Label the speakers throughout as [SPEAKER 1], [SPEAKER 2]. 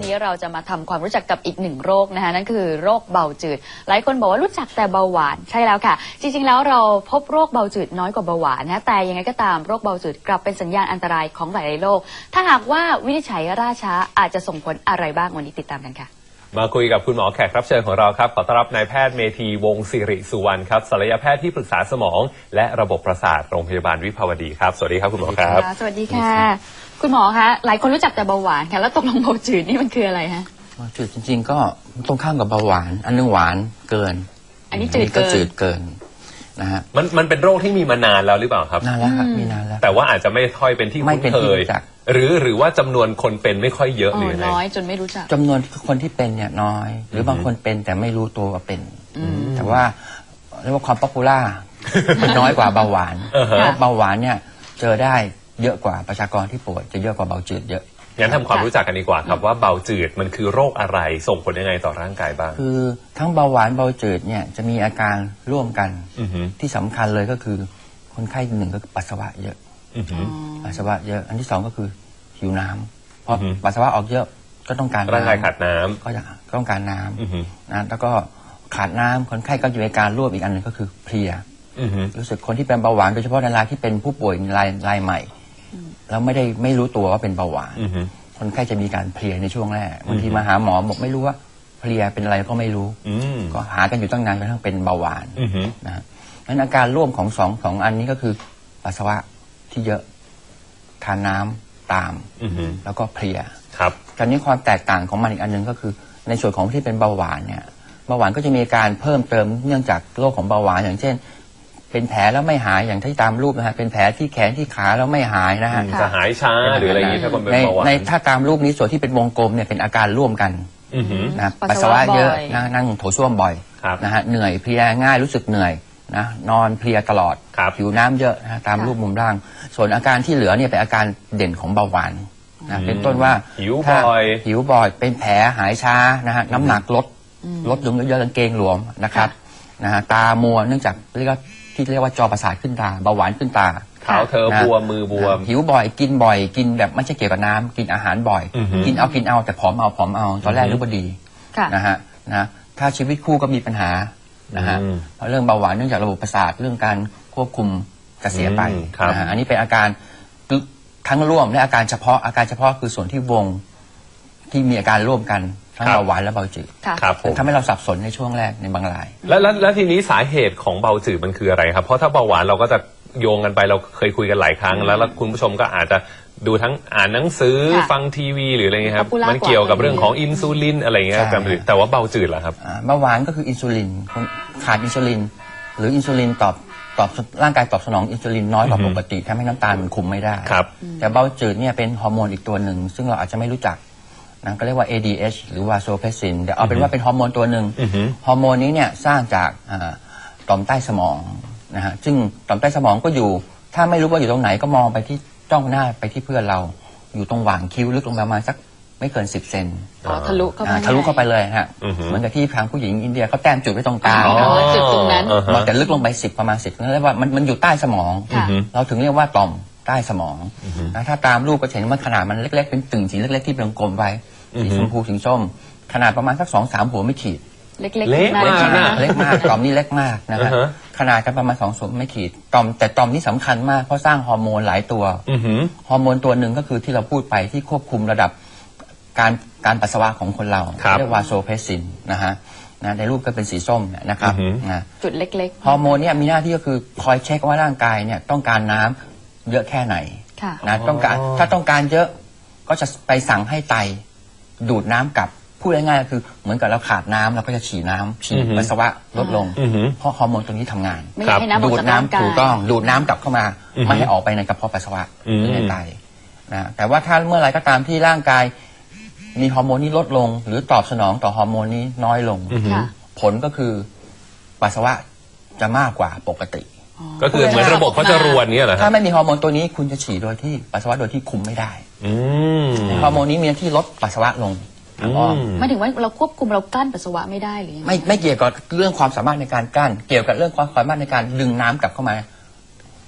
[SPEAKER 1] นี้เราจะมาทำความรู้จักกับอีกหนึ่งโรคนะคะนั่นคือโรคเบาจืดหลายคนบอกว่ารู้จักแต่เบาหวานใช่แล้วค่ะจริงๆแล้วเราพบโรคเบาจืดน้อยกว่าเบาหวานนะแต่ยังไงก็ตามโรคเบาจืดกลับเป็นสัญญาณอันตรายของหลายๆโรคถ้าหากว่าวินิจฉัยล่าช้าอาจจะส่งผลอะไรบ้างวันนี้ติดตามกันค่ะ
[SPEAKER 2] มาคุยกับคุณหมอแขกรับเชิญของเราครับขอต้อนรับนายแพทย์เมธีวงศ์สิริสุวรรณครับศัลยแพทย์ที่ปรึกษาสมองและระบบประสาทโรงพยาบาลวิภาวดีครับสวัสดีครับคุณหมอครับ
[SPEAKER 1] สวัสดีค่ะคุณหมอคะหลายคนรู้จักแต่เบาหวานค่ะแล้วตกลงเบาจืดนี่มันคืออะไรฮะ
[SPEAKER 3] เบาจืดจริงๆก็ตรงข้ามกับเบาหวานอันนึงหวานเกิน
[SPEAKER 1] อันนี้จืด
[SPEAKER 3] เกินนะฮะ
[SPEAKER 2] มันเป็นโรคที่มีมานานแล้วหรือเปล่าครับ
[SPEAKER 3] นานแล้วครับมีนานแล้ว
[SPEAKER 2] แต่ว่าอาจจะไม่ค่อยเป็นที่คุ้นเคยหรือว่าจำนวนคนเป็นไม่ค่อยเยอะหรือ
[SPEAKER 1] น้อยจนไม่รู้จัก
[SPEAKER 3] จำนวนคนที่เป็นเนี่ยน้อยหรือบางคนเป็นแต่ไม่รู้ตัวว่าเป็นแต่ว่าเรียกว่าความป๊อปปูล่ามันน้อยกว่าเบาหวานเบาหวานเนี่ยเจอได้เยอะกว่าประชากรที่ป่วยจะเยอะกว่าเบาจืดเยอะ
[SPEAKER 2] งั้นทำความรู้จักกันดีกว่าครับว่าเบาจืดมันคือโรคอะไรส่งผลยังไงต่อร่างกายบ้าง
[SPEAKER 3] คือทั้งเบาหวานเบาจืดเนี่ยจะมีอาการร่วมกันที่สำคัญเลยก็คือคนไข้หนึ่งก็ปัสสาวะเยอะปัสสาวะเยอะอันที่สองก็คือหิวน้ำเพราะปัสสาวะออกเยอะก็ต้องการ
[SPEAKER 2] ร่างกายขาดน้ำ
[SPEAKER 3] ก็ต้องการน้ำนะแล้วก็ขาดน้ำคนไข้ก็อยู่ในการร่วมอีกอันหนึ่งก็คือเพลียรู้สึกคนที่เป็นเบาหวานโดยเฉพาะในรายที่เป็นผู้ป่วยรายใหม่แล้วไม่รู้ตัวว่าเป็นเบาหวานคนไข้จะมีการเพลียในช่วงแรกบางทีมาหาหมอบอกไม่รู้ว่าเพลียเป็นอะไรก็ไม่รู้ก็หากันอยู่ตั้งนานจนกระทั่งเป็นเบาหวานนะงั้นอาการร่วมของสองอันนี้ก็คือปัสสาวะที่เยอะทานน้ำตามแล้วก็เพลีย
[SPEAKER 2] ครับ
[SPEAKER 3] คราวนี้ความแตกต่างของมันอีกอันหนึ่งก็คือในส่วนของที่เป็นเบาหวานเนี่ยเบาหวานก็จะมีการเพิ่มเติมเนื่องจากโรคของเบาหวานอย่างเช่นเป็นแผลแล้วไม่หายอย่างที่ตามรูปนะฮะเป็นแผลที่แขนที่ขาแล้วไม่หายนะฮะ
[SPEAKER 2] จะหายช้าหรืออะไรอย่างนี้ถ้าคนเป็นเบาหวาน
[SPEAKER 3] ในถ้าตามรูปนี้ส่วนที่เป็นวงกลมเนี่ยเป็นอาการร่วมกันนะปัสสาวะเยอะนั่งโถส้วมบ่อยนะฮะเหนื่อยเพลียง่ายรู้สึกเหนื่อยนะนอนเพลียตลอดผิวน้ำเยอะนะตามรูปมุมล่างส่วนอาการที่เหลือเนี่ยเป็นอาการเด่นของเบาหวานนะเป็นต้นว่า
[SPEAKER 2] หิวบ่
[SPEAKER 3] อยเป็นแผลหายช้านะฮะน้ำหนักลดลงเยอะๆกางเกงหลวมนะครับนะฮะตามัวเนื่องจากเรียกว่าจอประสาทขึ้นตาเบาหวานขึ้นตา
[SPEAKER 2] เท้าเธอบวมมือบวม
[SPEAKER 3] หิวบ่อยกินบ่อยกินแบบไม่ใช่เกี่ยวกับน้ำกินอาหารบ่อยกินเอาแต่ผอมเอาตอนแรกนึกว่าดีนะฮะนะถ้าชีวิตคู่ก็มีปัญหานะฮะเพราะเรื่องเบาหวานเนื่องจากระบบประสาทเรื่องการควบคุมจะเสียไปนะฮะอันนี้เป็นอาการทั้งร่วมและอาการเฉพาะคือส่วนที่วงที่มีอาการร่วมกันทั้งเบาหวานและเบาจืดทำให้เราสับสนในช่วงแรกในบางราย
[SPEAKER 2] แล้วทีนี้สาเหตุของเบาจืดมันคืออะไรครับเพราะถ้าเบาหวานเราก็จะโยงกันไปเราเคยคุยกันหลายครั้งแล้วคุณผู้ชมก็อาจจะดูทั้งอ่านหนังสือฟังทีวีหรืออะไรเงี้ยครับมันเกี่ยวกับเรื่องของอินซูลินอะไรเงี้ยแต่ว่าเบาจืดเหรอครับ
[SPEAKER 3] เบาหวานก็คืออินซูลินขาดอินซูลินหรืออินซูลินตอบร่างกายตอบสนองอินซูลินน้อยกว่าปกติทำให้น้ำตาลมันคุมไม่ได้แต่เบาจืดเนี่ยเป็นฮอร์โมนอีกตัวหนึ่งซึ่งเราอาจจะไม่รู้จักนะก็เรียกว่า ADH หรือว่าโซเพซินเดี๋ยวเอาเป็นว่าเป็นฮอร์โมนตัวหนึ่งฮอร์โมนนี้เนี่ยสร้างจากต่อมใต้สมองนะฮะซึ่งต่อมใต้สมองก็อยู่ถ้าไม่รู้ว่าอยู่ตรงไหนก็มองไปที่จ้องหน้าไปที่เพื่อนเราอยู่ตรงหว่างคิ้วลึกลงประมาณสักไม่เกิน10 เซน
[SPEAKER 1] ทะลุเข้า
[SPEAKER 3] ไปเลยฮะเหมือนกับที่ทางผู้หญิงอินเดียเขาแต้มจุดไว้ตรงกลาง
[SPEAKER 1] จุดตรงนั้น
[SPEAKER 3] แต่ลึกลงไปประมาณ10นั่นเรียกว่ามันอยู่ใต้สมองเราถึงเรียกว่าต่อมใต้สมองถ้าตามรูปก็เห็นว่าขนาดมันเล็กๆเป็นตึงสีเล็กๆที่เป็นกลมไว้สีชมพูสีส้มขนาดประมาณสัก2-3 หัวไม่ขีด
[SPEAKER 1] เล็กม
[SPEAKER 3] ากต่อมนี่เล็กมากนะครับขนาดกันประมาณ2 หัวไม่ขีดแต่ต่อมนี่สำคัญมากเพราะสร้างฮอร์โมนหลายตัวฮอร์โมนตัวหนึ่งก็คือที่เราพูดไปที่ควบคุมระดับการปัสสาวะของคนเราเรียกว่าโซเพซินนะฮะในรูปก็เป็นสีส้มนะครับ
[SPEAKER 1] จุดเล็ก
[SPEAKER 3] ๆฮอร์โมนเนี่ยมีหน้าที่ก็คือคอยเช็คว่าร่างกายเนี่ยต้องการน้ำเยอะแค่ไหนนะถ้าต้องการเยอะก็จะไปสั่งให้ไตดูดน้ำกลับพูดง่ายๆคือเหมือนกับเราขาดน้ำเราก็จะฉี่ปัสสาวะลดลงเพราะฮอร์โมนตัวนี้ทำงานดูดน้ำถูกต้องดูดน้ำกลับเข้ามาไม่ให้ออกไปในกระเพาะปัสสาวะหรือในไตนะแต่ว่าถ้าเมื่อไรก็ตามที่ร่างกายมีฮอร์โมนนี้ลดลงหรือตอบสนองต่อฮอร์โมนนี้น้อยลงผลก็คือปัสสาวะจะมากกว่าปกติ
[SPEAKER 2] ก็คือเหมือนระบบเขาจะรวนเนี่ยเหรอ
[SPEAKER 3] ถ้าไม่มีฮอร์โมนตัวนี้คุณจะฉี่โดยที่ปัสสาวะโดยที่คุมไม่ได้ฮอร์โมนนี้มีหน้าที่ลดปัสสาวะลง
[SPEAKER 1] ไม่ถึงว่าเราควบคุมเรากลั้นปัสสาวะไม่ได้หรือ
[SPEAKER 3] ไม่เกี่ยวกับเรื่องความสามารถในการกลั้นเกี่ยวกับเรื่องความสามารถในการดึงน้ำกลับเข้ามา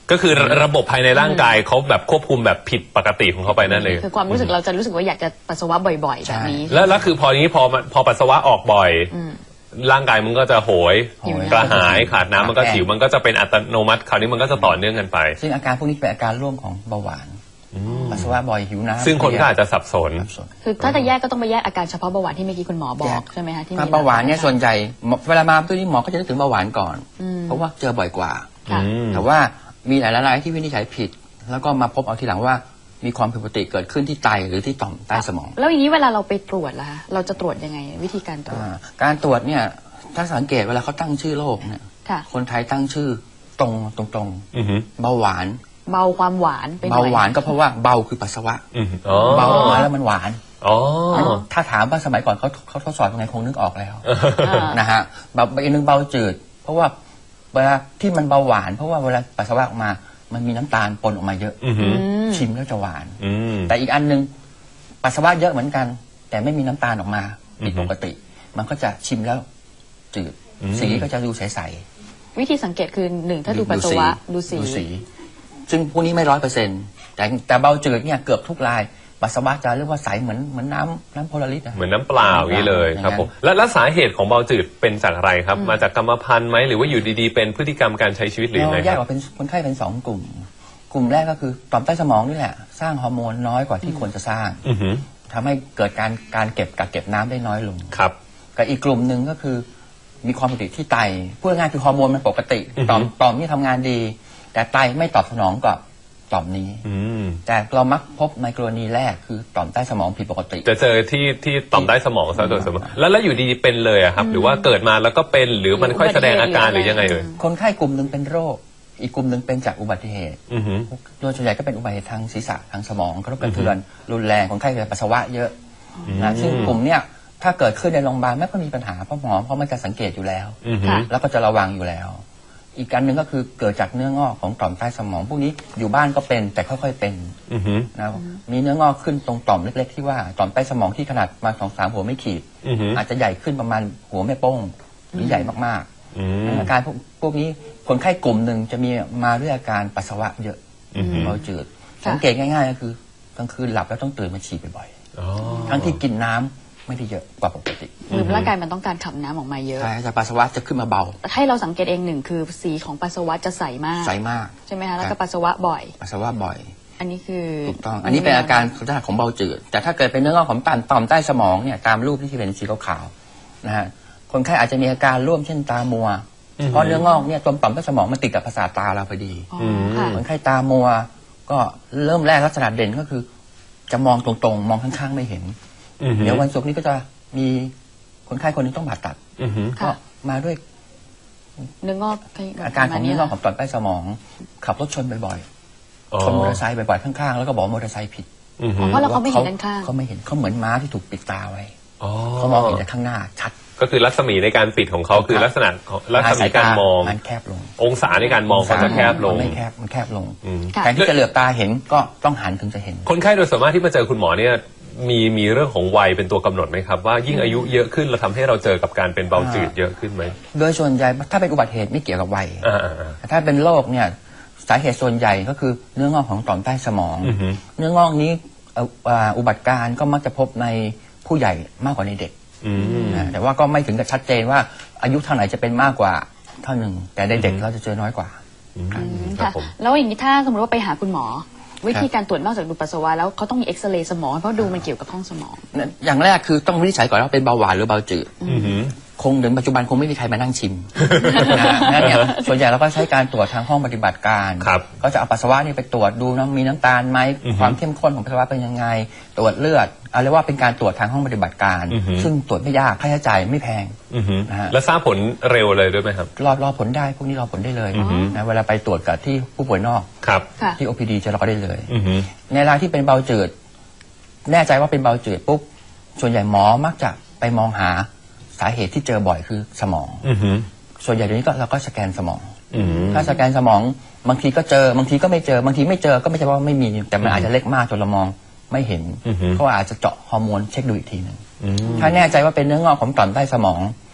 [SPEAKER 2] ก็คือระบบภายในร่างกายเขาแบบควบคุมแบบผิดปกติของเขาไปนั่นเลย
[SPEAKER 1] คือความรู้สึกเราจะรู้สึกว่าอยากจะปัสสาวะบ่อยๆแบบนี้
[SPEAKER 2] แล้วคือพอนี้พอปัสสาวะออกบ่อยร่างกายมันก็จะโหยกระหายขาดน้ำมันก็หิวมันก็จะเป็นอัตโนมัติคราวนี้มันก็จะต่อเนื่องกันไป
[SPEAKER 3] ซึ่งอาการพวกนี้เป็นอาการร่วมของเบาหวานปัสสาวะบ่อยหิวน้ำ
[SPEAKER 2] ซึ่งคนก็อาจจะสับสน
[SPEAKER 1] คือถ้าจะแยกก็ต้องไปแยกอาการเฉพาะเบาหวานที่เมื่อกี้คุณหมอบอกใช่ไหมคะที่
[SPEAKER 3] เบาหวานเนี่ยส่วนใหญ่เวลามาตัวนี้หมอก็จะนึกถึงเบาหวานก่อนเพราะว่าเจอบ่อยกว่าแต่ว่ามีหลายรายที่วินิจฉัยผิดแล้วก็มาพบเอาทีหลังว่ามีความผิดปกติเกิดขึ้นที่ไตหรือที่ต่อมใต้สมอง
[SPEAKER 1] แล้วอย่างนี้เวลาเราไปตรวจล่ะคะเราจะตรวจยังไงวิธีการตรวจ
[SPEAKER 3] การตรวจเนี่ยถ้าสังเกตเวลาเขาตั้งชื่อโรคเนี่ยคนไทยตั้งชื่อตรงเบาหวาน
[SPEAKER 1] เบาความหวาน
[SPEAKER 3] เบาหวานก็เพราะว่าเบาคือปัสสาวะเบาออกมาแล้วมันหวานถ้าถามว่าสมัยก่อนเขาทดสอบยังไงคงนึกออกแล้วนะฮะแบบอีกนึงเบาจืดเพราะว่าเวลาที่มันเบาหวานเพราะว่าเวลาปัสสาวะออกมามันมีน้ำตาลปนออกมาเยอะชิมแล้วจะหวานแต่อีกอันนึงปัสสาวะเยอะเหมือนกันแต่ไม่มีน้ำตาลออกมาผิดปกติมันก็จะชิมแล้วจืดสีก็จะดูใส
[SPEAKER 1] ๆวิธีสังเกตคือหนึ่งถ้าดูปัสสาวะดูสี
[SPEAKER 3] ซึ่งพวกนี้ไม่100%แต่เบาจืดเนี่ยเกือบทุกรายปัสสาวะจะเรียกว่าใสเหมือนน้ำโพลาริส
[SPEAKER 2] เหมือนน้ำเปล่าอย่างนี้เลยครับผมแล้วสาเหตุของเบาจืดเป็นจากอะไรครับมาจากกรรมพันธุ์ไหมหรือว่าอยู่ดีๆเป็นพฤติกรรมการใช้ชีวิตหรือไง
[SPEAKER 3] แยกออกเป็นคนไข้เป็น2 กลุ่มแรกก็คือต่อมใต้สมองนี่แหละสร้างฮอร์โมนน้อยกว่าที่ควรจะสร้างทำให้เกิดการเก็บน้ำได้น้อยลง
[SPEAKER 2] ครับ
[SPEAKER 3] กับอีกกลุ่มหนึ่งก็คือมีความผิดปกติที่ไตพูดง่ายคือฮอร์โมนมันปกติต่อมนี่ทำงานดีแต่ไตไม่ตอบสนองกับต่อมนี้แต่เรามักพบในกรณีแรกคือต่อมใต้สมองผิดปกติ
[SPEAKER 2] จะเจอที่ต่อมใต้สมองซะโดยสมมติแล้วอยู่ดีๆเป็นเลยอะครับหรือว่าเกิดมาแล้วก็เป็นหรือมันค่อยแสดงอาการหรือยังไงเลย
[SPEAKER 3] คนไข้กลุ่มหนึ่งเป็นโรคอีกกลุ่มหนึ่งเป็นจากอุบัติเหตุโดยส่วนใหญ่ก็เป็นอุบัติเหตุทางศีรษะทางสมองกระทบกระเทือนรุนแรงคนไข้จะปัสสาวะเยอะนะซึ่งกลุ่มเนี้ยถ้าเกิดขึ้นในโรงพยาบาลไม่ก็มีปัญหาเพราะหมอเขาไม่จะสังเกตอยู่แล้วแล้วก็จะระวังอยู่แล้วอีกการหนึ่งก็คือเกิดจากเนื้องอกของต่อมใต้สมองพวกนี้อยู่บ้านก็เป็นแต่ค่อยๆเป็นนะมีเนื้องอกขึ้นตรงต่อมเล็กๆที่ว่าต่อมใต้สมองที่ขนาดมา2-3 หัวไม่ขีดอาจจะใหญ่ขึ้นประมาณหัวแม่โป้งหรือใหญ่มากๆอาการพวกนี้คนไข้กลุ่มหนึ่งจะมีมาด้วยอาการปัสสาวะเยอะเบาจืดสังเกตง่ายๆก็คือกลางคืนหลับแล้วต้องตื่นมาฉี่บ่อยๆทั้งที่กินน้ำไม่ได้เยอะกว่าปกติ
[SPEAKER 1] คือร่างกายมันต้องการขับน้ำออกมาเยอะ
[SPEAKER 3] ใช่แต่ปัสสาวะจะขึ้นมาเบา
[SPEAKER 1] แต่ให้เราสังเกตเองหนึ่งคือสีของปัสสาวะจะใสมากใช่ไหมคะแล้วก็ปัสสาวะบ่อย
[SPEAKER 3] ปัสสาวะบ่อย
[SPEAKER 1] อันนี้คือ
[SPEAKER 3] ถูกต้องอันนี้เป็นอาการของเบาจืดแต่ถ้าเกิดเป็นเนื้องอกของต่อมใต้สมองเนี่ยตามรูปที่เป็นสีขาวๆนะฮะคนไข้อาจจะมีอาการร่วมเช่นตามัวเพราะเนื้องอกเนี่ยต่อมใต้สมองมันติดกับประสาทตาเราพอดีคนไข้ตามัวก็เริ่มแรกลักษณะเด่นก็คือจะมองตรงๆมองข้างๆไม่เห็นเดี๋ยววันศุกร์นี้ก็จะมีคนไข้คนนึงต้องผ่าตัดก็มาด้วย
[SPEAKER 1] เนื้องอก
[SPEAKER 3] อาการของเนื้องอกของต่อมใต้สมองขับรถชนบ่อยๆชนมอเตอร์ไซค์บ่อยๆข้างๆแล้วก็บอกมอเตอร์ไซค์ผิด
[SPEAKER 1] เพราะเราเขาไม่เห็นด้านข้าง
[SPEAKER 3] เขาไม่เห็นเขาเหมือนม้าที่ถูกปิดตาไว้เขามองเห็นแต่ข้างหน้าชัด
[SPEAKER 2] ก็คือรัศมีในการปิดของเขาคือลักษณะรัศมีการมอง
[SPEAKER 3] มันแคบลง
[SPEAKER 2] องศาในการมองเขาจะแคบลง
[SPEAKER 3] มันแคบลงแทนที่จะเหลือบตาเห็นก็ต้องหันถึงจะเห็น
[SPEAKER 2] คนไข้โดยส่วนมากที่มาเจอคุณหมอเนี่ยมีเรื่องของวัยเป็นตัวกำหนดไหมครับว่ายิ่งอายุเยอะขึ้นเราทำให้เราเจอกับการเป็นเบาจืดเยอะขึ้นไหม
[SPEAKER 3] โดยส่วนใหญ่ถ้าเป็นอุบัติเหตุไม่เกี่ยวกับวัยแต่ถ้าเป็นโรคเนี่ยสาเหตุส่วนใหญ่ก็คือเนื้องอกของต่อมใต้สมองเนื้องอกนี้อุบัติการก็มักจะพบในผู้ใหญ่มากกว่าในเด็กแต่ว่าก็ไม่ถึงกับชัดเจนว่าอายุเท่าไหร่จะเป็นมากกว่าเท่าหนึ่งแต่ในเด็กเราจะเจอน้อยกว่า
[SPEAKER 1] ค่ะแล้วอย่างนี้ถ้าสมมติว่าไปหาคุณหมอวิธีการตรวจนอกจากดูปัสสาวะแล้วเขาต้องมีเอ็กซเรย์สมองเพราะดูมันเกี่ยวกับห้องสมอง
[SPEAKER 3] อย่างแรกคือต้องวินิจฉัยก่อนว่าเป็นเบาหวานหรือเบาจืดคงถึงปัจจุบันคงไม่มีใครมานั่งชิมนั่นเนี่ยส่วนใหญ่เราก็ใช้การตรวจทางห้องปฏิบัติการก็จะเอาปัสสาวะนี่ไปตรวจดูนะมีน้ำตาลไหมความเข้มข้นของปัสสาวะเป็นยังไงตรวจเลือดเรียกว่าเป็นการตรวจทางห้องปฏิบัติการซึ่งตรวจไม่ยากค่าใช้จ่ายไม่แพง
[SPEAKER 2] นะฮะแล้วทราบผลเร็วเลยด้วยไหมครับ
[SPEAKER 3] รอผลได้พวกนี้รอผลได้เลยนะเวลาไปตรวจกับที่ผู้ป่วยนอกที่ OPD จะรอได้เลยในรายที่เป็นเบาจืดแน่ใจว่าเป็นเบาจืดปุ๊บส่วนใหญ่หมอมักจะไปมองหาสาเหตุที่เจอบ่อยคือสมองส่วนใหญ่เดี๋ยวนี้เราก็สแกนสมองถ้าสแกนสมองบางทีก็เจอบางทีก็ไม่เจอบางทีไม่เจอก็ไม่ใช่ว่าไม่มีแต่มันอาจจะเล็กมากจนเรามองไม่เห็นก็อาจจะเจาะฮอร์โมนเช็คดูอีกทีหนึ่งถ้าแน่ใจว่าเป็นเนื้องอกของต่อมใต้สมองก็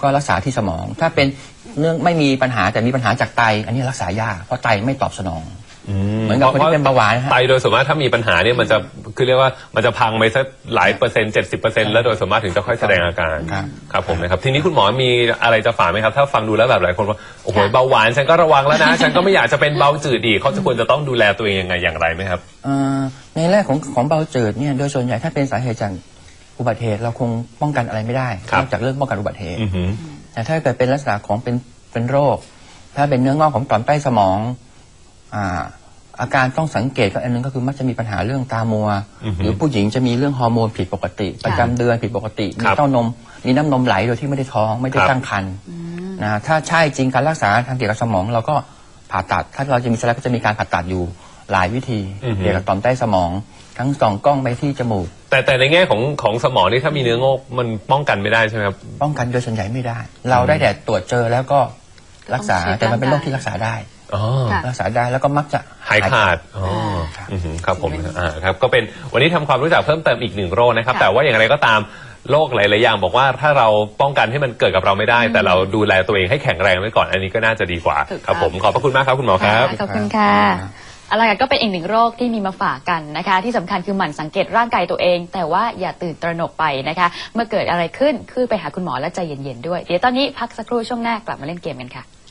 [SPEAKER 3] ก็รักษาที่สมอง ถ้าเป็นเรื่องไม่มีปัญหาแต่มีปัญหาจากไตอันนี้รักษายากเพราะไตไม่ตอบสนองเหมือนกับคนที่เป็นเบาหวานนะฮะ
[SPEAKER 2] ไตโดยส่วนมากถ้ามีปัญหาเนี่ยมันจะคือเรียกว่ามันจะพังไปสักหลายเปอร์เซ็นต์70%แล้วโดยส่วนมากถึงจะค่อยแสดงอาการครับผมนะครับทีนี้คุณหมอมีอะไรจะฝากไหมครับถ้าฟังดูแล้วแบบหลายคนว่าโอ้โหเบาหวานฉันก็ระวังแล้วนะฉันก็ไม่อยากจะเป็นเบาจืดอีกเขาจะควรจะต้องดูแลตัวเองยังไงอย่างไรไหมครับ
[SPEAKER 3] ในแรกของเบาจืดเนี่ยโดยส่วนใหญ่ถ้าเป็นสาเหตุจากอุบัติเหตุเราคงป้องกันอะไรไม่ได้นอกจากเรื่องป้องกันอุบัติเหตุแต่ถ้าเกิดเป็นลักษณะของเป็นโรคถ้าเป็นเนื้องอกของต่อมใต้สมองอาการต้องสังเกตก็อันนึงก็คือมักจะมีปัญหาเรื่องตามัวหรือผู้หญิงจะมีเรื่องฮอร์โมนผิดปกติประจำเดือนผิดปกติมีเต้านมมีน้ำนมไหลโดยที่ไม่ได้ท้องไม่ได้ตั้งครรภ์นะถ้าใช่จริงการรักษาทางเกี่ยวกับสมองเราก็ผ่าตัดถ้าเราจะมีสไลด์ก็จะมีการผ่าตัดอยู่หลายวิธีเกี่ยวกับต่อมใต้สมองทั้งส่องกล้องไปที่จมูก
[SPEAKER 2] แต่ในแง่ของสมองนี่ถ้ามีเนื้องอกมันป้องกันไม่ได้ใช่ไหมครับ
[SPEAKER 3] ป้องกันโดยส่วนใหญ่ไม่ได้เราได้แต่ตรวจเจอแล้วก็รักษาแต่มันเป็นโรคที่รักษาได้รักษาได้แล้วก็มักจะ
[SPEAKER 2] หายขาดครับผมครับก็เป็นวันนี้ทำความรู้จักเพิ่มเติมอีก1โรคนะครับแต่ว่าอย่างไรก็ตามโรคหลายๆอย่างบอกว่าถ้าเราป้องกันให้มันเกิดกับเราไม่ได้แต่เราดูแลตัวเองให้แข็งแรงไว้ก่อนอันนี้ก็น่าจะดีกว่าครับผมขอบพระคุณมากครับคุณหมอครับ
[SPEAKER 1] ขอบคุณค่ะอะไรก็เป็นอีก1โรคที่มีมาฝากกันนะคะที่สำคัญคือหมั่นสังเกตร่างกายตัวเองแต่ว่าอย่าตื่นตระหนกไปนะคะเมื่อเกิดอะไรขึ้นคือไปหาคุณหมอและใจเย็นๆด้วยเดี๋ยวตอนนี้พักสักครู่ช่วงหน้ากลับมาเล่นเกมกันค่ะ